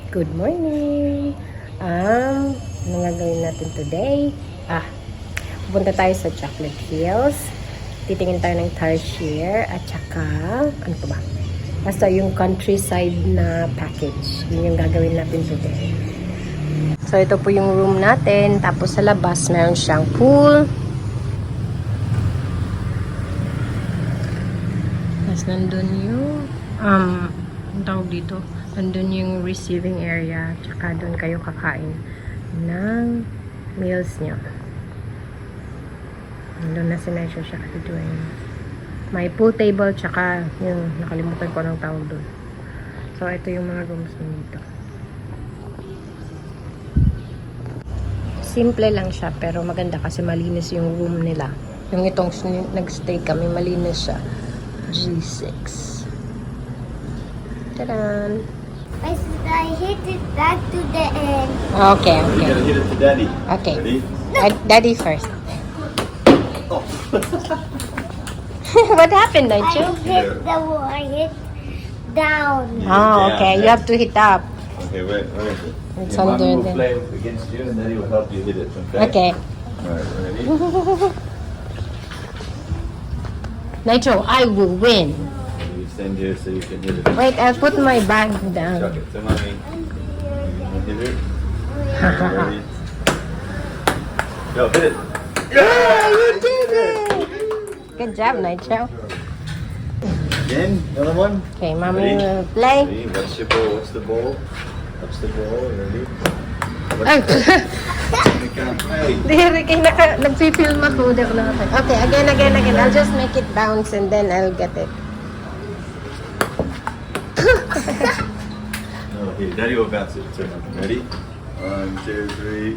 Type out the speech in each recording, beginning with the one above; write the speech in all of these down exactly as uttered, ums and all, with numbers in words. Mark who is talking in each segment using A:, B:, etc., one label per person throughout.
A: Good morning! Um, ano nga gawin natin today? Ah, pupunta tayo sa Chocolate Hills. Titingin tayo ng tarsier at saka, ano pa ba? Basta yung countryside na package. Yun yung gagawin natin today. So, ito po yung room natin. Tapos sa labas, meron siyang pool. Tapos nandun yung, um, ang tawag dito, nandun yung receiving area, tsaka doon kayo kakain ng meals nyo. Nandun na si Naisha siya doon. May pool table, tsaka yung nakalimutan ko ng tawag doon. So, ito yung mga rooms nito. Simple lang siya, pero maganda kasi malinis yung room nila. Yung itong nag-stay kami, malinis siya. G six. Tadaan!
B: I said I hit it back to the end.
A: Okay,
C: You
A: okay.
C: gotta hit it to Daddy.
A: Okay.
C: Ready?
A: Dad- Daddy first.
C: Oh.
A: What happened,
B: I
A: Nigel?
B: hit the wall. I hit down.
C: You hit
A: Oh,
C: down,
A: okay. You
C: yeah.
A: have to hit up.
C: Okay, where, where is it?
A: It's
C: Your
A: under
C: mommy will
A: there.
C: play against you and Daddy will help you hit it, okay?
A: Okay.
C: Alright, ready?
A: Nigel, I will win.
C: You stand here so you can hit it.
A: Wait, I'll put my bag
C: Chuck
A: down.
C: it to mommy. You hit it. Ready? Go, hit it.
A: Yeah, you did it! Good job, Nigel.
C: Again, another one.
A: Okay, mommy
C: Ready?
A: will play.
C: Ready? What's your ball? What's the ball? What's the ball? Ready?
A: Ay!
C: Hey.
A: Diri kay naka nagfi-film ako, di ako nakaka- Okay, again, again, again. I'll just make it bounce and then I'll get it.
C: No, here, Daddy will bounce it. Turn on. Ready? One, two, three.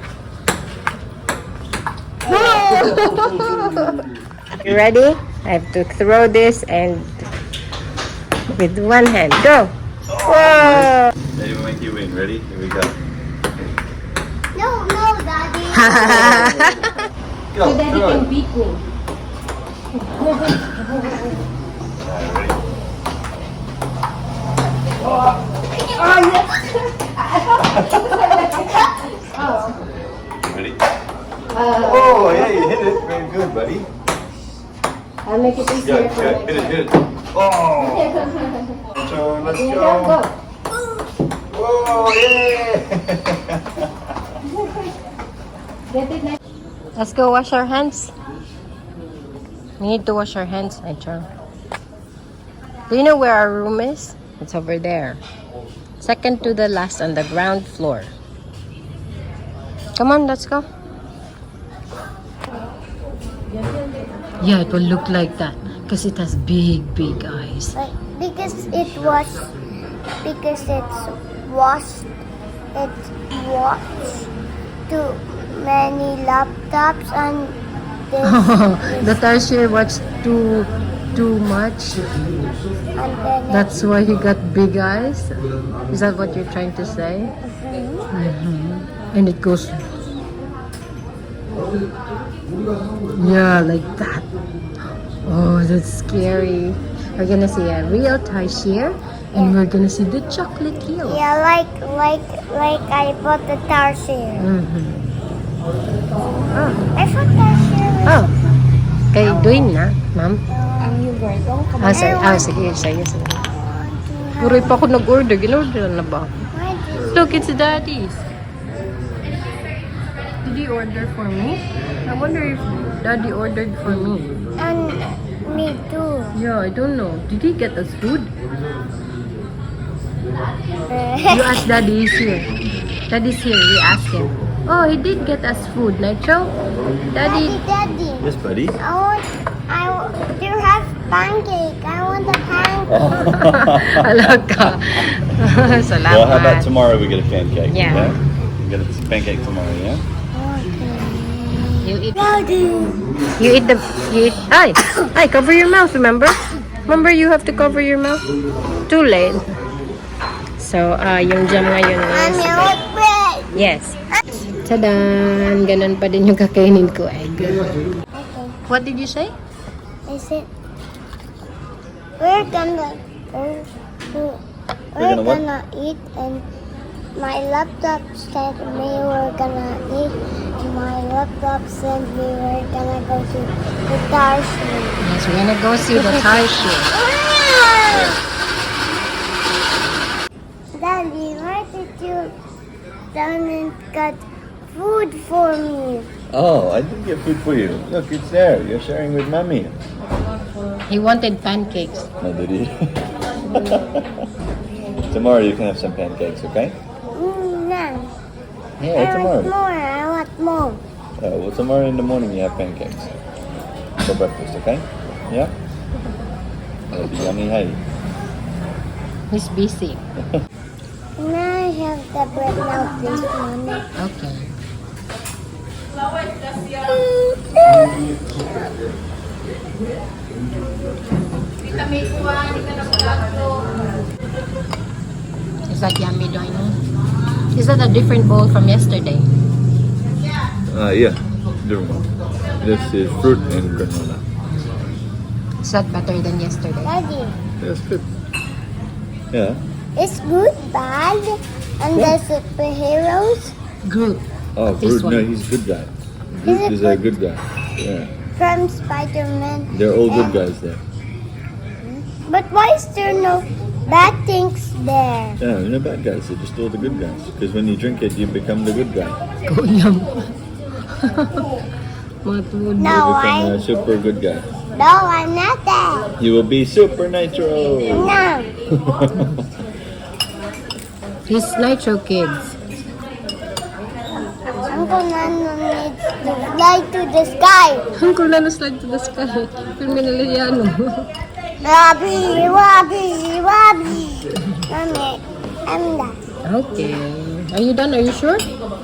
A: You ready? I have to throw this and with one hand. Go! Whoa!
C: Daddy will make you win. Ready? Here we go.
B: No, no, Daddy.
C: Go.
A: So Daddy
C: come on.
A: can beat me.
C: Alright, ready? Ready? Oh, yeah, you hit it. Very good, buddy.
A: I'll make it easier
C: Good,
A: for
C: good.
A: you.
C: Hit it, hit it. Oh! So, let's
A: Here you
C: go.
A: go.
C: Whoa, yeah!
A: Get it now. Let's go wash our hands. We need to wash our hands, Nigel. Do you know where our room is? It's over there. Second to the last on the ground floor. Come on, let's go. Yeah, it will look like that because it has big, big eyes.
B: Like, because it was, because it's washed, it's washed too many laptops and this,
A: The tarsier watched too, too much.
B: and then
A: That's why he got big eyes. Is that what you're trying to say?
B: Mhm.
A: Mm-hmm. And it goes, yeah, like that. Oh, that's scary. We're gonna see a real tarsier, and we're gonna see the chocolate hill.
B: yeah, like like like I bought the tarsier.
A: Mm-hmm.
B: I thought tarsier was
A: Oh, kay doing na, ma'am.
B: ang yung gordong
A: Ah, sige, ah, sige, sige, sige. Puro pa ako nag-order. Ginorder na ba? Look, it's Daddy's. Did he order for me? I wonder if Daddy ordered for me.
B: And me too.
A: Yeah, I don't know. Did he get us food? You ask Daddy, he's here. Daddy's here, we asked him. Oh, he did get us food, Nitro.
B: Daddy,
A: Daddy.
B: Daddy,
C: Yes, buddy.
B: I want, I want, you have pancake. I want the pancake.
A: Alaka. Salamat.
C: Well, how about tomorrow we get a pancake?
A: Yeah.
C: We get a pancake tomorrow, yeah?
A: You eat.
B: Daddy.
A: You eat the. You eat. Ay, ay, cover your mouth. Remember? Remember, you have to cover your mouth. Too late. So, uh, yung jam ngayon is.
B: Mommy, I want bread.
A: Yes. Tadan! Ganun pa din yung kakainin ko, egg.
B: Okay.
A: What did you say?
B: I said, we're gonna, we're, we're
C: gonna what?
B: gonna eat and my laptop said we were gonna eat. My laptop said we were gonna go to the Tarshi.
A: Yes, we're gonna go see the Tarshi.
B: Daddy, why did you down and got food for me?
C: Oh, I did get food for you. Look, it's there. You're sharing with mommy.
A: He wanted pancakes.
C: No, did he? Tomorrow you can have some pancakes, okay?
B: Mm, no.
C: Yeah,
B: I
C: tomorrow.
B: want more. I want more.
C: Oh, well, tomorrow in the morning you have pancakes for breakfast, okay? Yeah? That'll be yummy, hey?
A: He's busy.
B: Can I have the bread now, please, Mommy?
A: Okay. Is that yummy, Doino? Is that a different bowl from yesterday?
C: Uh, yeah. Different one. This is fruit and granola.
A: Is that better than yesterday?
B: Daddy,
C: That's good. Yeah.
B: is good bad? And the superheroes
A: Groot.
C: Oh,
A: This
C: Groot, no,
A: one.
C: he's a good guy.
B: Is
C: Groot
B: it
C: is a
B: good?
C: good guy. Yeah.
B: from Spider-Man.
C: They're all good
B: And-
C: guys there.
B: But why is there no bad things there?
C: Yeah, they're not bad guys. They're just all the good guys. Because when you drink it, you become the good guy.
A: Kuyam. Matulog.
B: No,
C: You become
B: I
C: a super good guy.
B: no, I'm not that.
C: You will be Super Nitro.
B: No.
A: He's Nitro Kids.
B: Uncle Nano needs to fly to the sky.
A: Uncle Nano slide to the sky. Filmin nila yan.
B: Wabi, wabi, wabi. Mommy, I'm done.
A: Okay. Are you done? Are you sure?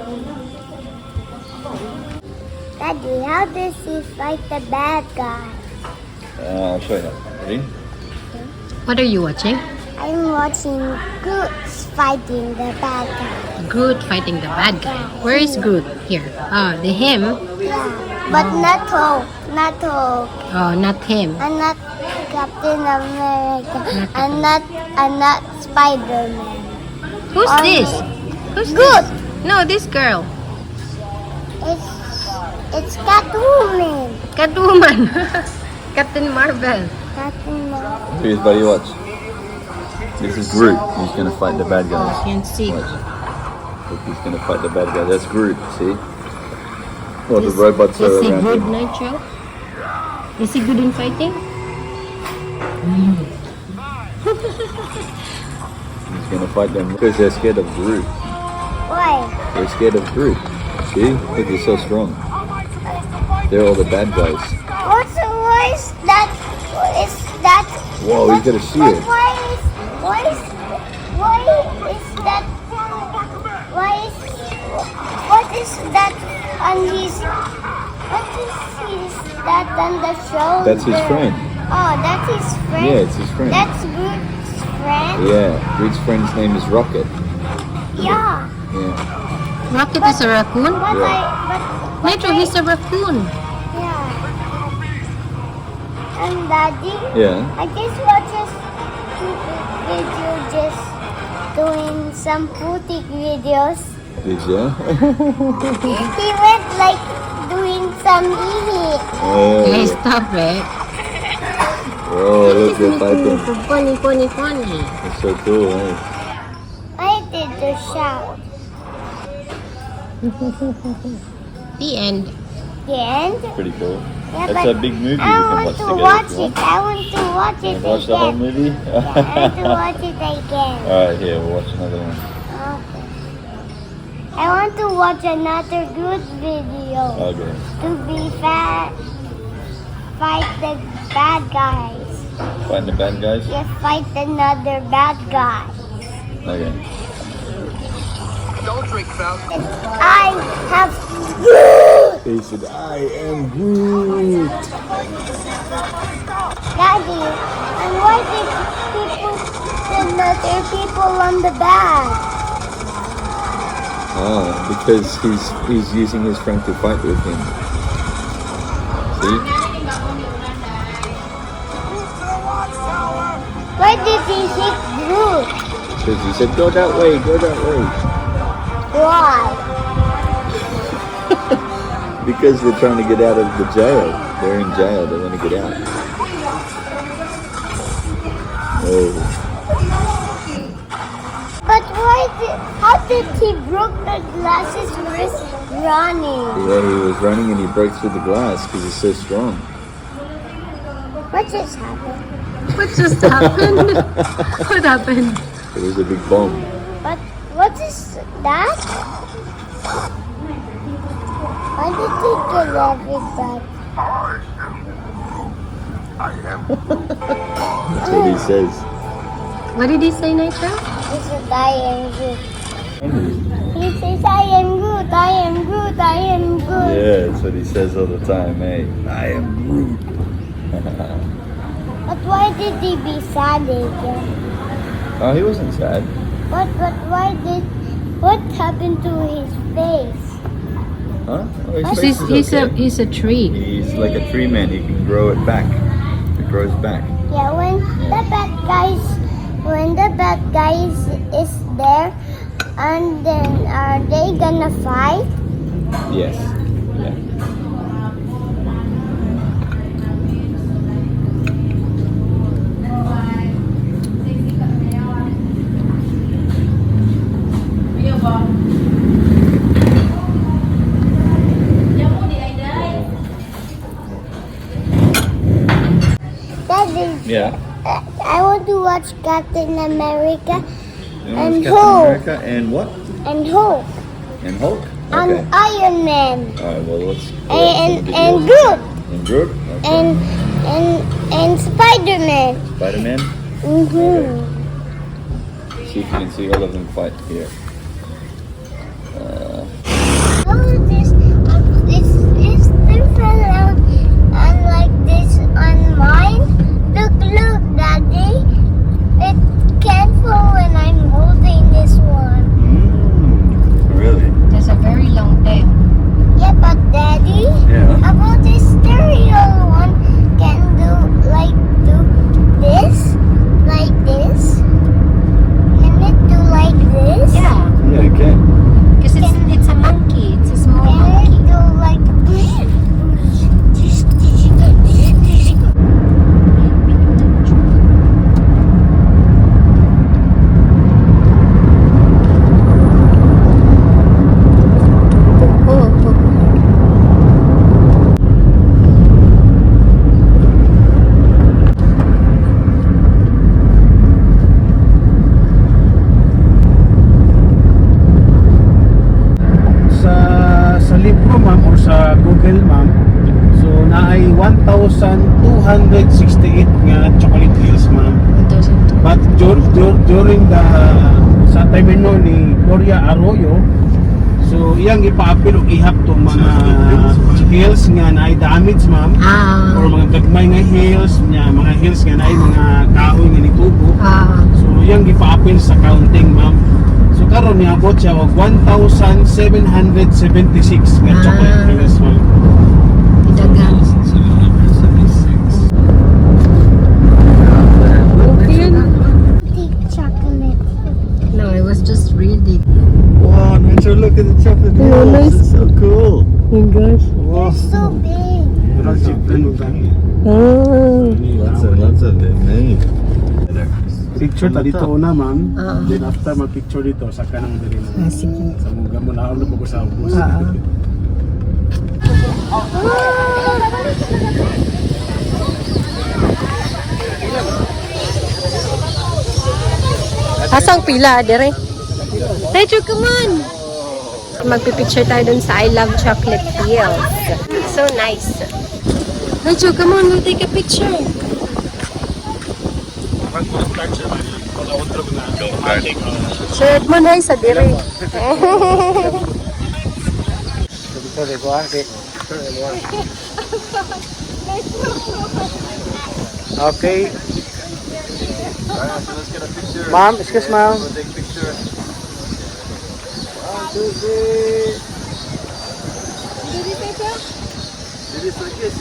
B: Daddy, how does he fight the bad guy?
C: Uh, I'll show you. Ready?
A: What are you watching?
B: I'm watching Goose fighting the bad guy.
A: Groot fighting the bad guy. Where is Groot? Here. Ah, the him.
B: Yeah, but not Hulk, not Hulk,
A: Oh, not him.
B: and not Captain America, and not and not Spider-Man.
A: Who's
B: Um,
A: this? Who's
B: Groot.
A: this? No, this girl.
B: It's it's Catwoman.
A: Catwoman. Captain Marvel.
B: Captain Marvel.
C: Here's buddy, watch. This is Groot. He's gonna fight the bad guys.
A: You can see.
C: Watch. Look, he's gonna fight the bad guy. That's Groot, see? Well, the
A: Is-
C: robots
A: Is
C: are
A: he
C: around
A: good,
C: him.
A: Nitro? Is he good in fighting?
C: He's gonna fight them because they're scared of Groot.
B: Why?
C: They're scared of Groot. See? Look, he's so strong. They're all the bad guys.
B: What's why is that? Is that?
C: Whoa,
B: what-
C: he's got a
B: but
C: shield.
B: Why is why is why is that? Why is what is that on his? What is his that on the shoulder?
C: That's his friend.
B: Oh, that's his friend.
C: Yeah, it's his friend.
B: That's Groot's friend.
C: Yeah, Groot's friend's name is Rocket.
B: Yeah.
C: Yeah.
A: Rocket is a raccoon?
B: But
C: Yeah.
B: I but
A: Nitro, he's a raccoon.
B: yeah. And Daddy.
C: Yeah.
B: I just watched a stupid video just doing some boutique videos.
C: Did ya?
B: He went like doing some eating.
A: Hey,
C: Oh,
A: stop it.
C: oh, look, they're fighting.
A: Funny, funny, funny.
C: That's so cool, eh?
B: I did the shout.
A: The end.
B: The end?
C: Pretty cool.
B: Yeah,
C: That's
B: but
C: a big movie we
B: I
C: can
B: want
C: watch
B: to
C: together
B: watch
C: if you
B: it.
C: want.
B: I want to watch it
C: Watch the whole
B: again.
C: movie?
B: I want to watch it again.
C: Alright, here, we'll watch another one.
B: Okay. I want to watch another good video.
C: Okay.
B: To be fat, fight the bad guys.
C: Find the bad guys?
B: You fight another bad guy.
C: Okay.
D: Don't drink, Val.
B: I have
C: He said, I am Groot.
B: Daddy. And why did people send other people on the back?
C: Oh, because he's he's using his friend to fight with him. See?
B: Why did he hit Groot?
C: Because he said, go that way, go that way.
B: Why?
C: Because they're trying to get out of the jail. They're in jail. They want to get out. Oh.
B: But why did, how did he broke the glasses first running?
C: Yeah, he was running and he broke through the glass because he's so strong.
B: What just happened?
A: What just happened? What happened?
C: It was a big bomb.
B: But what is that? Why did he kill everybody?
C: That's what he says.
A: What did he say, Nitra?
B: He said, I am good. He says, I am good, I am good, I am good.
C: Yeah, that's what he says all the time, hey. I am Groot.
B: But why did he be sad again?
C: Oh, he wasn't sad.
B: But, but why did, what happened to his face?
C: Huh? Oh, his
B: He's-
C: face
A: He's,
C: is
A: he's, a,
C: okay.
A: he's a tree.
C: He's like a tree man. He can grow it back. It grows back.
B: Yeah, when the bad guys, when the bad guys is there, and then are they gonna fight?
C: Yes. Yeah.
B: Daddy,
C: Yeah.
B: uh, I want to watch Captain America
C: You know,
B: And
C: it's Captain
B: Hulk.
C: America and what?
B: and Hulk
C: And Hulk.
B: and
C: Okay.
B: Iron Man
C: All right. Well, let's.
B: and
C: let's
B: and
C: get
B: Groot
C: yours. And Groot. Okay.
B: and and and Spider-Man.
C: Spider-Man.
B: Mm-hmm.
C: See if you can see all of them fight here. Uh,
B: How is this? Um, this is different on, on like this on mine. Look, look, Daddy. It can't fall when I'm holding this one.
C: mm, really?
A: There's a very long tail.
B: Yeah, but Daddy,
C: Yeah.
B: how about this stereo one can do like do this, like this? Can it do like this?
A: Yeah,
C: Yeah. It can.
A: because it's, it's a monkey. It's a small
B: Can it
A: monkey.
B: do like
A: Oh, oh.
D: sa sa libro ma'am or sa Google ma'am, so naay one thousand two hundred sixty-eight nga chocolate hills ma'am,
A: one thousand two.
D: but dur, dur, during the sa termino ni Gloria Arroyo, so iyang ipaapil og ihap tong mga hills nga naay damage ma'am
A: Ah,
D: or mga gagmay nga hills nya mga hills nga naay mga kahoy nga nitubo.
A: ah,
D: So iyang gipaapil sa counting ma'am. So karon niabot siya og one thousand seven hundred seventy-six nga
A: Ah.
D: chocolate hills ma'am.
A: dagan.
B: deep chocolate?
A: No, I was just reading.
C: Wow, Nature, look at the chocolate
A: Oh,
C: hills.
A: nice.
C: It's so cool.
A: Oh my gosh.
B: They're so big.
D: Pero si ano ba?
A: Oh.
C: Lots of, lots of them, hey.
D: Picture ta dito una ma'am.
A: Ah.
D: Then after mag-picture dito sa kanang diri
A: Ah,
D: mo.
A: sige.
D: Sa mga mo na ulo ko sa ubos.
A: Ah. Asang pila, dire? Rachel, come on! Magpipicture tayo dun sa I Love Chocolate Hills. So nice. Rachel, come on, we'll take a picture. Shirt mo na sa dire.
D: Okay.
C: Alright, so let's get a picture.
D: Ma'am, excuse ma'am.
C: We'll take a picture. One, two, three. Do this like this.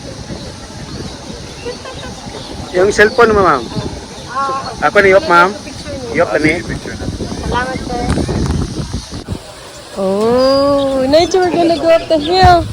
D: Yung cellphone mo ma'am. Ako ni Yop ma'am. Yop
C: I'll
D: ni.
C: take a picture now.
A: Salamat, sir. Oh, nature, we're gonna go up the hill.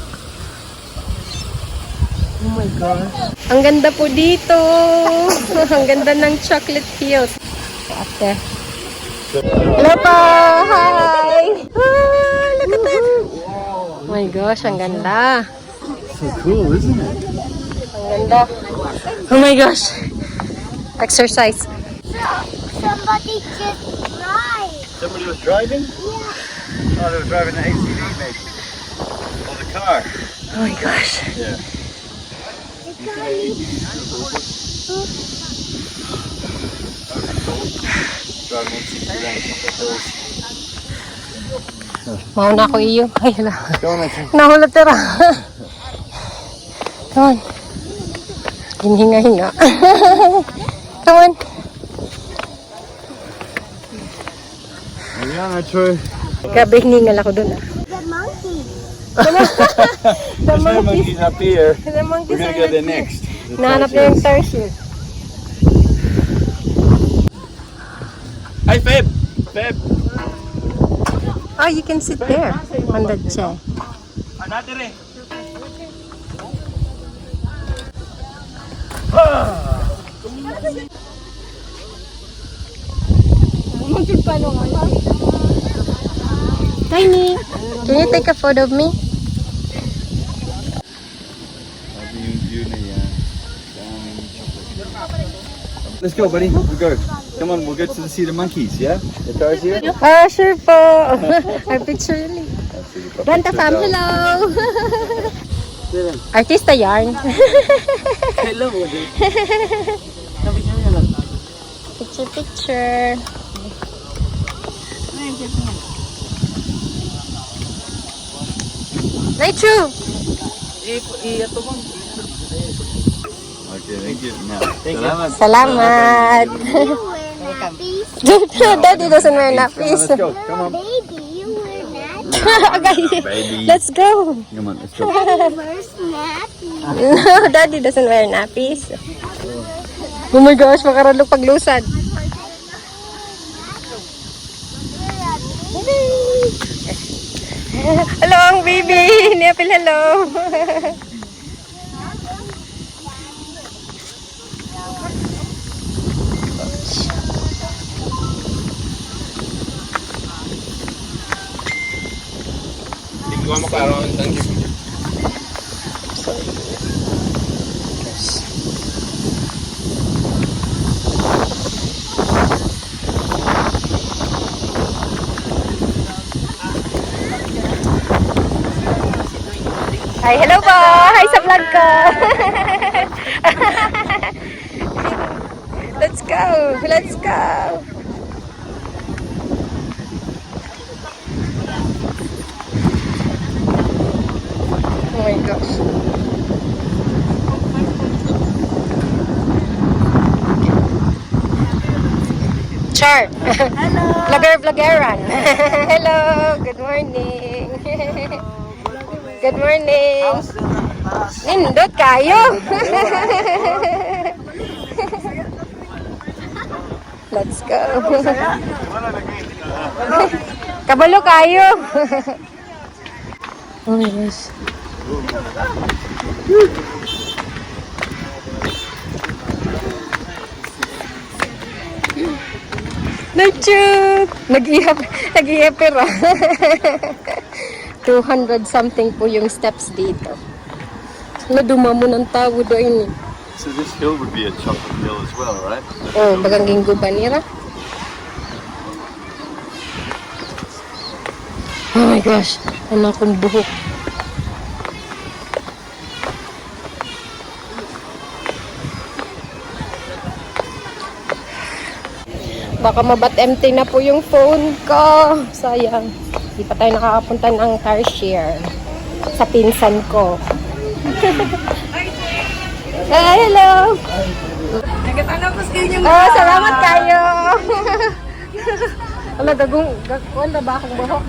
A: Oh my God. Ang ganda po dito. Ang ganda ng Chocolate Hills. Ate. Hello po! Hi! Ah, look at that! Oh my gosh, ang ganda.
C: So cool, isn't it?
A: Ang ganda. Oh my gosh. Exercise.
B: Somebody just drive.
C: Somebody was driving? Yeah. Oh, they were driving the A T V maybe. Or the car.
A: Oh my gosh.
C: Yeah. Driving A T V around some of the hills.
A: Mauna ako iyo. Ay, hala.
C: Go on, Nathan.
A: Nahulog tira. Come on. Hinhinga-hinga. Come on.
C: Yeah, true.
A: Grabe, hiningal ako dun ah.
B: The monkey.
C: There's no monkeys up here.
A: The monkeys
C: We're
A: are
C: gonna go there
A: not here.
C: next. The
A: Nahanap na yung
C: Tarsiers.
A: tarsier.
C: Hey, Feb! Feb!
A: Oh, you can sit there on the chair. Tiny, can you take a photo of me?
C: Let's go, buddy. We'll go. Come on, we'll go to the see the monkeys, yeah? The Tarsier?
A: Ah, sure po. Our picture ulit. Ranta fam, hello! Artista yarn.
D: Hello.
A: Picture, picture. Right, true.
C: Okay, thank you. Now, Salamat.
A: Salamat.
B: You wear nappies.
A: Daddy doesn't wear nappies.
C: Let's go. Come on.
B: Baby, you wear nappies.
A: Okay,
C: Baby.
A: let's go.
C: Come on, let's go.
B: Where's nappies?
A: No, Daddy doesn't wear nappies. Oh my gosh, makaralog paglusad. Hello, ang baby. Niapil, hello. Hi, hello po. Hi sa vlog ko. Let's go. Let's go. Oh my gosh. Char. Hello. Vlogger, vloggeran. Hello. Good morning. Good morning. Nindot kayo. Let's go. Kabalo kayo. Oh my gosh. Nature! Nag-ihap, nag-ihap pero. two hundred something po yung steps dito. Naduma mo ng tao doon eh.
C: So this hill would be a chocolate hill as well, right?
A: Oh, bagang ginggo ba nira? Oh my gosh, ano akong buhok. Baka mabat empty na po yung phone ko. Sayang. Hindi pa tayo nakakapunta ng Tarsier sa pinsan ko. Hi, hello!
E: Nagkatapos kayo niyo.
A: Oh, salamat kayo! Wala, gagong, gagawin na ba akong buhok?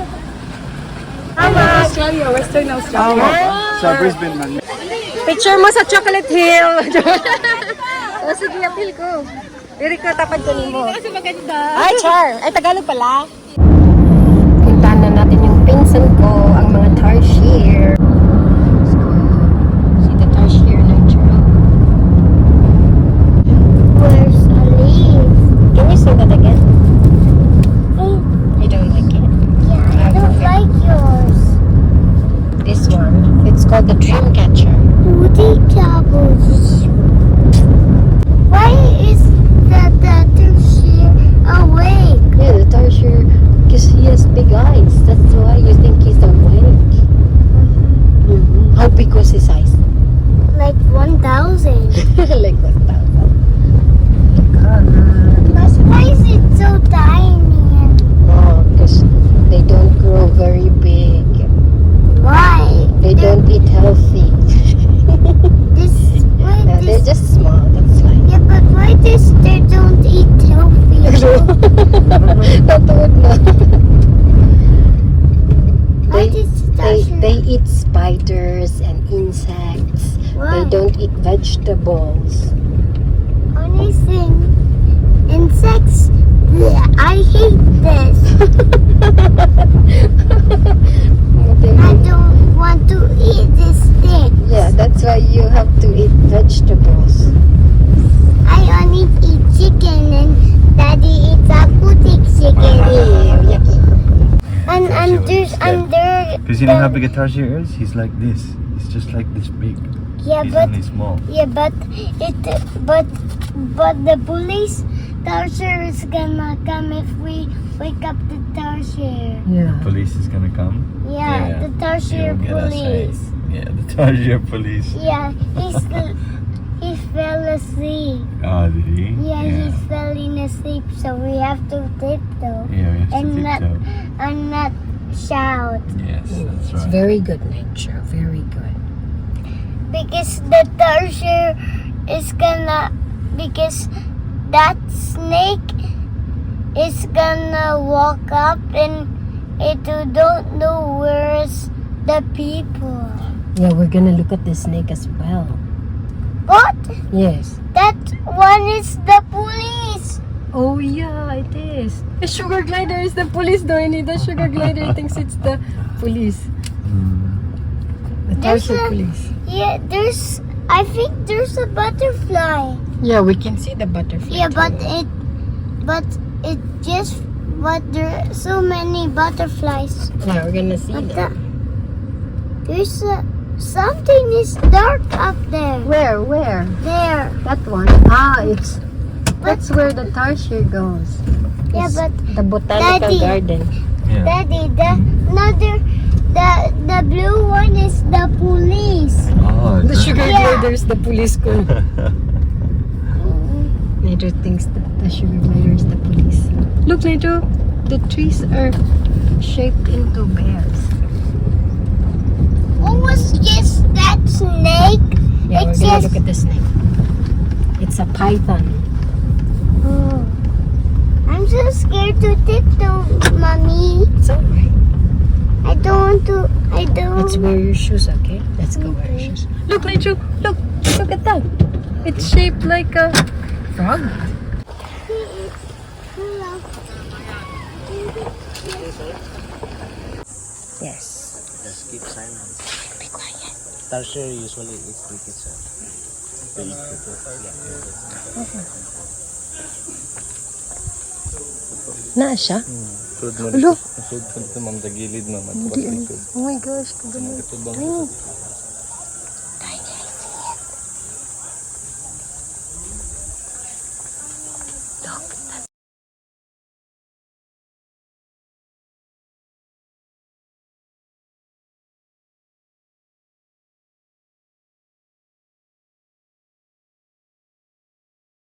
E: Australia, Western Australia.
C: So Brisbane, man.
A: Picture mo sa Chocolate Hill! O, sige, apil ko. Diri ko, tapad ko ni mo.
E: Kasi maganda.
A: Ay, Char! Ay, Tagalog pala. Puntahan na natin yung dream catcher.
B: Woody Troubles. Why is the tarsier awake?
A: Yeah, the tarsier, because he has big eyes. That's why you think he's awake. Mhm. How big was his eyes?
B: Like one thousand.
A: Like one thousand.
B: Why is it so tiny?
A: Oh, because they don't grow very big.
B: Why?
A: They don't eat healthy.
B: This, why
A: Yeah, they're
B: this,
A: just small. That's why.
B: yeah, but why this they don't eat healthy?
A: Don't do it now.
B: Why
A: They,
B: this
A: they,
B: tarsier?
A: they eat spiders and insects.
B: Why?
A: They don't eat vegetables.
B: Only thing, insects. Yeah, I hate this. I don't want to eat this thing.
A: Yeah, that's why you have to eat vegetables.
B: I only eat chicken and Daddy eats aquatic chicken.
A: Ew, yucky.
B: And under under
C: Because you know how
B: the-
C: big a tarsier is? He's like this. He's just like this big.
B: yeah,
C: He's
B: but
C: only small.
B: yeah, but it but but the police tarsier is gonna come if we wake up the tarsier.
A: Yeah.
C: Police is gonna come.
B: Yeah, the tarsier
C: He'll get us, eh?
B: police.
C: Yeah, the tarsier police.
B: Yeah, he's the, he fell asleep.
C: Oh, did he?
B: Yeah,
C: Yeah,
B: he's falling asleep, so we have to tiptoe
C: yeah we have to
B: and not
C: tiptoe.
B: and not shout
C: Yes, that's
A: It's
C: right.
A: very good nature. Very good.
B: because the tarsier is gonna because that snake is gonna walk up and it don't know where's the people.
A: Yeah, we're gonna look at the snake as well.
B: What?
A: Yes.
B: That one is the police.
A: Oh yeah, it is. The sugar glider is the police, Doini. The sugar glider thinks it's the police. The
B: There's
A: tarsier
B: a-
A: police.
B: Yeah, there's. I think there's a butterfly.
A: Yeah, we can see the butterfly.
B: Yeah, but
A: too.
B: it, but it just, but there are so many butterflies.
A: Yeah, we're gonna see
B: But
A: them.
B: the, there's a, something is dark up there.
A: Where? Where?
B: There.
A: That one. Ah, it's. That's where the tarsier goes.
B: Yeah,
A: It's
B: but
A: the botanical
B: Daddy.
A: garden.
C: Yeah.
B: Daddy, the another, the the blue one is the police.
C: Oh,
A: The sugar
B: Yeah.
A: glider is the police ko. Nato thinks that the sugar glider is the police. Look, Nato, the trees are shaped into bears.
B: What was just that snake?
A: Yeah,
B: It's
A: we're gonna
B: just-
A: look at the snake. It's a python.
B: Oh. I'm so scared to tiptoe, mommy.
A: It's alright.
B: I don't want to. I don't.
A: Let's wear your shoes, okay? Let's go wear your shoes. Look, Nato, look, look at that. It's shaped like a frog. Yes.
F: Just keep silent.
A: Be quiet.
F: Tarsier usually eat crickets. Uh, they eat crickets. Yeah.
A: Naa siya?
C: Food mo
A: Ulo.
C: Food mo ito, ma'am, sa gilid, ma'am. At
A: Hindi.
C: likod.
A: Oh my gosh, kabalo.
C: Ito bang
A: Oh,